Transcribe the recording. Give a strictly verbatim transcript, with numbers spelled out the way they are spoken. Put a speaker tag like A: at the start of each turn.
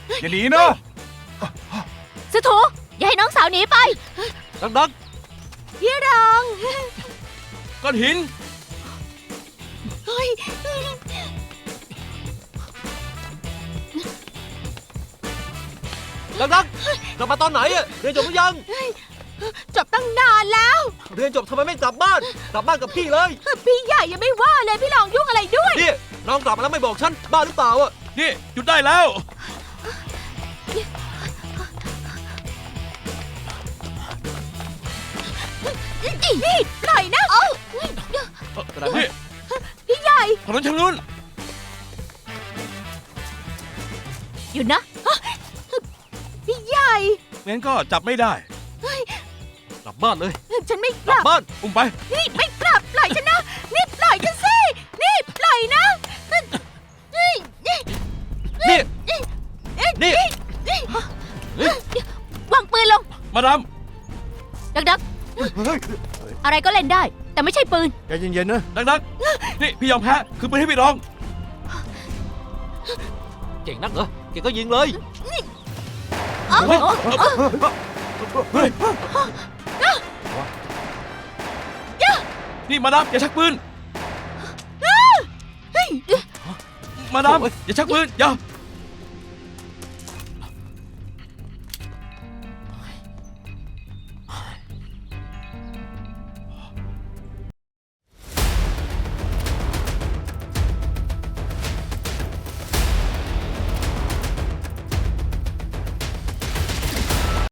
A: อย่าหนีนะ
B: สถูอย่าให้น้องสาวหนีไป
C: ดัก
B: พี่รอง
A: ก้อนหิน
B: เฮ้ย
C: ดักดักกลับมาตอนไหนอะเรียนจบหรือยัง
B: จบตั้งนานแล้ว
C: เรียนจบทำไมไม่กลับบ้าน กลับบ้านกับพี่เลย
B: พี่ใหญ่ยังไม่ว่าเลยพี่รองยุ่งอะไรด้วย
C: นี่น้องกลับมาแล้วไม่บอกฉันบ้าหรือเปล่าอะ
A: นี่หยุดได้แล้ว
B: นี่ปล่อยนะเอ้า
A: นี่
B: พี่ใหญ่
A: ถนนชางนู้น
B: หยุดนะพี่ใหญ่
A: งั้นก็จับไม่ได้
C: กลับบ้านเลย
B: ฉันไม่
C: ก
B: ก
C: ลับ
B: ลับ
C: บ้าน
A: อุ้มไป
B: นี่ไม่กลับปล่อยฉันนะนี่ปล่อยฉันสินี่ปล่อยนะนี่นี่
C: นี่ นี่
B: วางปืนลง
A: มาดาม
B: ดักดักอะไรก็เล่นได้ แต่ไม่ใช่ปืน
D: ใจเย็นๆนะ
A: ดักๆนี่พี่ยอมแพ้คือปืนให้พี่รอง
C: เก่งนักเหรอเก่งก็ยิงเลย
B: เอาเอาเอา
A: เฮ้ยนี่มาดามอย่าชักปืน
B: เฮ้ย
A: มาดามอย่าชักปืนอย่า